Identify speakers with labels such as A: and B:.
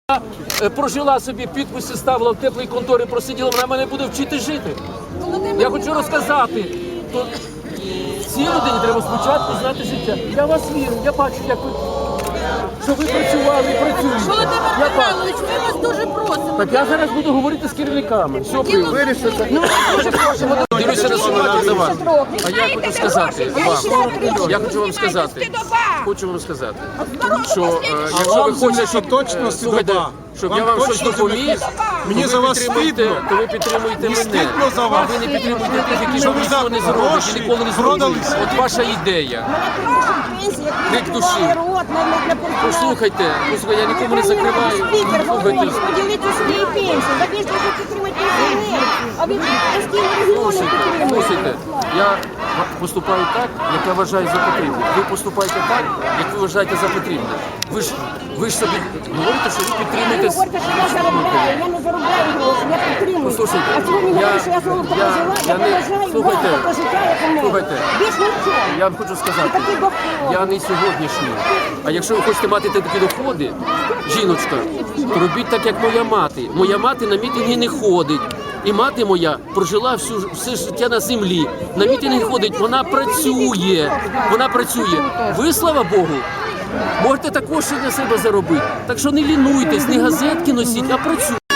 A: Прожила собі, підписи ставила в теплій конторі, просиділа, вона мене буде вчити жити. Я хочу розказати, то цій людині треба спочатку знати життя. Я вас вірю, я бачу, як ви, що ви працювали і працюєте.
B: Володимир Михайлович, ми вас дуже просимо.
A: Так я зараз буду говорити з керівниками. Все, вирішиться.
B: Дуже просимо.
A: Дивлюся на ситуацію за вас. А я хочу сказати вам, я хочу вам сказати, що якщо ви хочете, щоб
C: точно
A: слухайте, щоб я вам щось допоміг,
C: Мені за вас стидно.
A: то ви підтримуєте мене.
C: стидно за вас.
A: А ви не підтримуєте тих, які
C: Що ви
A: нічого
C: за
A: не зроблять
C: гроші
A: і ніколи не зроблять.
C: продалися?
A: От ваша ідея. Крик душі. Послухайте, я нікому не закриваю.
D: Спікер
A: Слухайте.
D: говорить, поділити свої пенсії. Так якщо ви підтримати пенсіонерів, а ви постійно регіони підтримуєте.
A: Слухайте, я поступаю так, як я вважаю за потрібне. Ви поступаєте так, як ви вважаєте за потрібне. Ви ж собі говорите, що ви
D: Ви
A: підтримуєте.
D: говорите, що я заробляю, я не заробляю гроші, я підтримую.
A: Послухайте,
D: А чому ви говорите, що я золото
A: я
D: прожила, я
A: не-
D: поважаю вас,
A: слухайте,
D: таке життя, як у мене.
A: слухайте.
D: Більш нічого.
A: Я вам хочу сказати,
D: І такі доходи.
A: я не сьогоднішній. А якщо ви хочете мати такі доходи, жіночка, то робіть так, як моя мати. Моя мати на мітинги не ходить. І мати моя прожила все життя на землі. На мітинги ходить, вона працює. Вона працює. Ви, слава Богу, можете також ще для себе заробити. Так що не лінуйтесь, не газетки носіть, а працюйте.